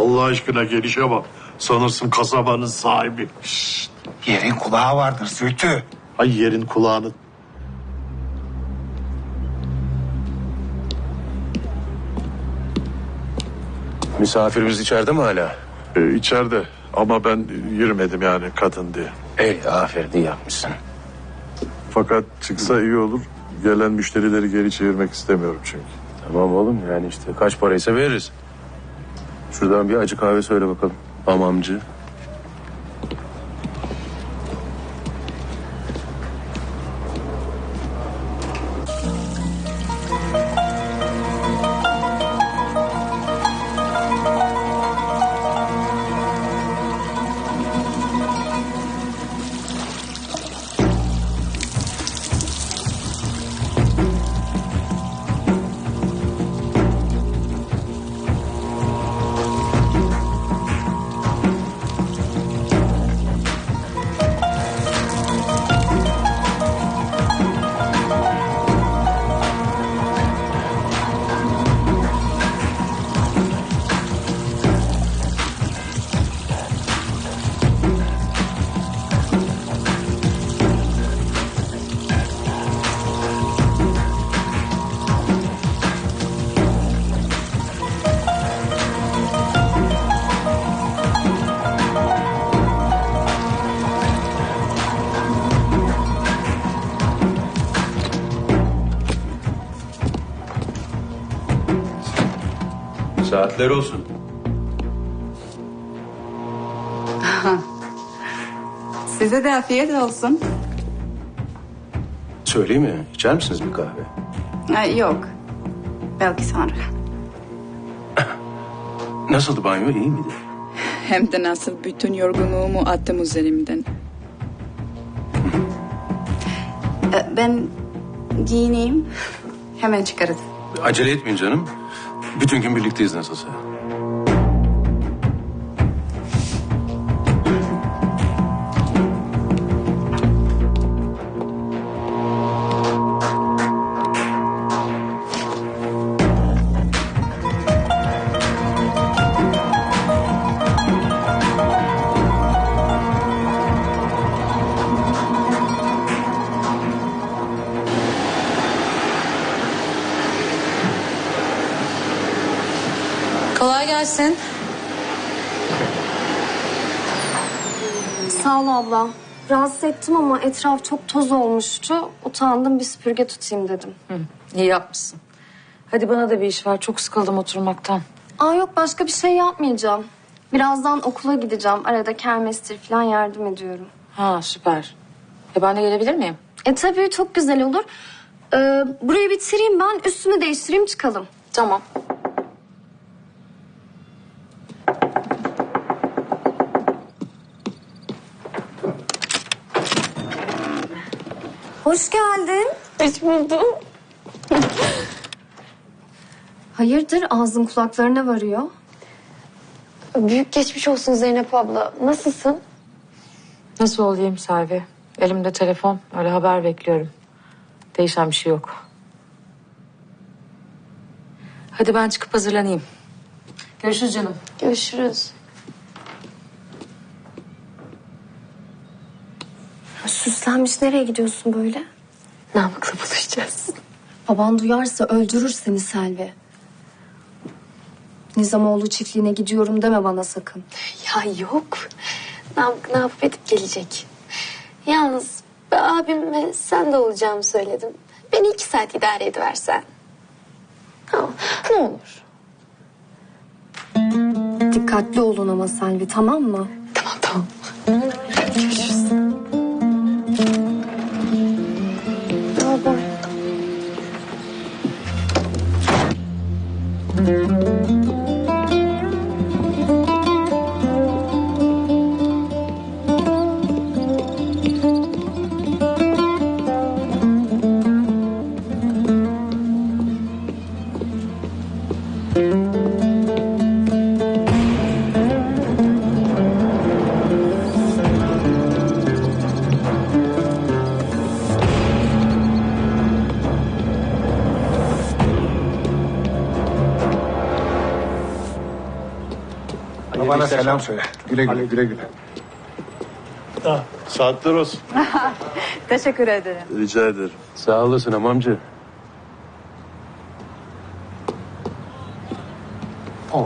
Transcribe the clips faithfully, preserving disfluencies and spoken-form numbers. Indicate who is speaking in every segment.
Speaker 1: Allah aşkına gelişe bak. Sanırsın kasabanın sahibi.
Speaker 2: Şşt, yerin kulağı vardır Zühtü.
Speaker 1: Ay yerin kulağını.
Speaker 3: Misafirimiz içeride mi hala?
Speaker 1: Ee, içeride ama ben yürümedim yani kadın diye.
Speaker 3: Ey aferin, iyi yapmışsın.
Speaker 1: Fakat çıksa iyi olur. Gelen müşterileri geri çevirmek istemiyorum çünkü.
Speaker 3: Tamam oğlum, yani işte kaç paraysa veririz. Şuradan bir acı kahve söyle bakalım. Hamamcı. Saatler olsun.
Speaker 4: Size de afiyet olsun.
Speaker 3: Söyleyeyim mi? İçer misiniz bir kahve?
Speaker 4: Ha, yok. Belki sonra.
Speaker 3: Nasıldı banyo? İyi miydi?
Speaker 4: Hem de nasıl bütün yorgunluğumu attım üzerimden. Ee, Ben giyineyim. Hemen çıkarız.
Speaker 3: Acele etmeyin canım. Bütün gün birlikteyiz nasılsa.
Speaker 5: Kolay gelsin.
Speaker 6: Sağ ol abla. Rahatsız ettim ama etraf çok toz olmuştu. Utandım, bir süpürge tutayım dedim.
Speaker 5: Hı, iyi yapmışsın. Hadi bana da bir iş var. Çok sıkıldım oturmaktan.
Speaker 6: Aa yok, başka bir şey yapmayacağım. Birazdan okula gideceğim. Arada kermestir falan yardım ediyorum.
Speaker 5: Ha, süper. E ben de gelebilir miyim?
Speaker 6: E tabii, çok güzel olur. Ee, burayı bitireyim ben, üstümü değiştireyim, çıkalım.
Speaker 5: Tamam.
Speaker 6: Hoş geldin.
Speaker 5: Hoş buldum.
Speaker 6: Hayırdır, ağzın kulaklarına varıyor.
Speaker 7: Büyük geçmiş olsun Zeynep abla. Nasılsın?
Speaker 5: Nasıl olayım Selvi? Elimde telefon. Öyle haber bekliyorum. Değişen bir şey yok. Hadi ben çıkıp hazırlanayım. Görüşürüz canım.
Speaker 7: Görüşürüz.
Speaker 6: Süslenmiş, nereye gidiyorsun böyle?
Speaker 7: Namık'la buluşacağız.
Speaker 6: Baban duyarsa öldürür seni Selvi. Nizamoğlu çiftliğine gidiyorum deme bana sakın.
Speaker 7: Ya yok. Namık ne yapıp edip gelecek. Yalnız ben abimle sen de olacağımı söyledim. Beni iki saat idare ediversen. Tamam. Ne olur.
Speaker 6: Dikkatli olun ama Selvi, tamam mı?
Speaker 7: Tamam tamam. Görüşürüz. Baba.
Speaker 2: Bana selam söyle. Güle güle güle güle.
Speaker 1: Saatler olsun.
Speaker 4: Teşekkür ederim.
Speaker 1: Rica ederim.
Speaker 3: Sağ olasın amamcı.
Speaker 2: Oo.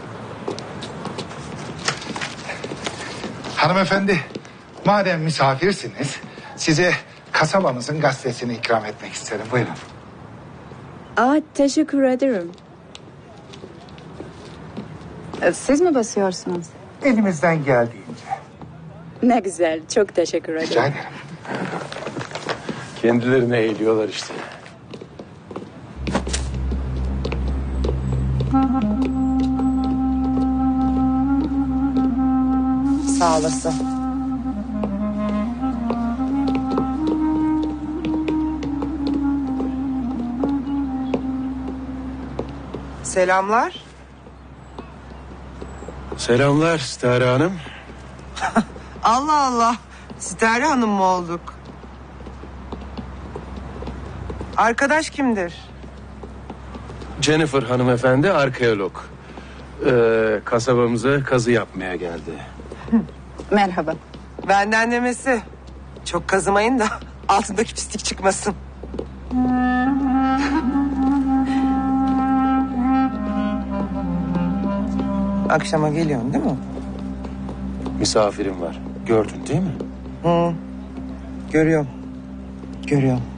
Speaker 2: Hanımefendi, madem misafirsiniz, size kasabamızın gazetesini ikram etmek isterim. Buyurun.
Speaker 4: Aa, teşekkür ederim. E, Siz mi basıyorsunuz?
Speaker 2: Elimizden geldiğince.
Speaker 4: Ne güzel, çok teşekkür
Speaker 2: Rica
Speaker 4: ederim.
Speaker 2: ederim.
Speaker 3: Kendilerine eğiliyorlar işte.
Speaker 4: Sağ olasın.
Speaker 8: Selamlar.
Speaker 3: Selamlar Stare Hanım.
Speaker 8: Allah Allah. Sitare Hanım mı olduk? Arkadaş kimdir?
Speaker 3: Jennifer hanımefendi arkeolog. Ee, kasabamıza kazı yapmaya geldi.
Speaker 4: Merhaba.
Speaker 8: Benden demesi. Çok kazımayın da altındaki pislik çıkmasın. Akşama geliyorsun değil mi?
Speaker 3: Misafirim var. Gördün değil mi?
Speaker 8: Hı. Görüyorum. Görüyorum.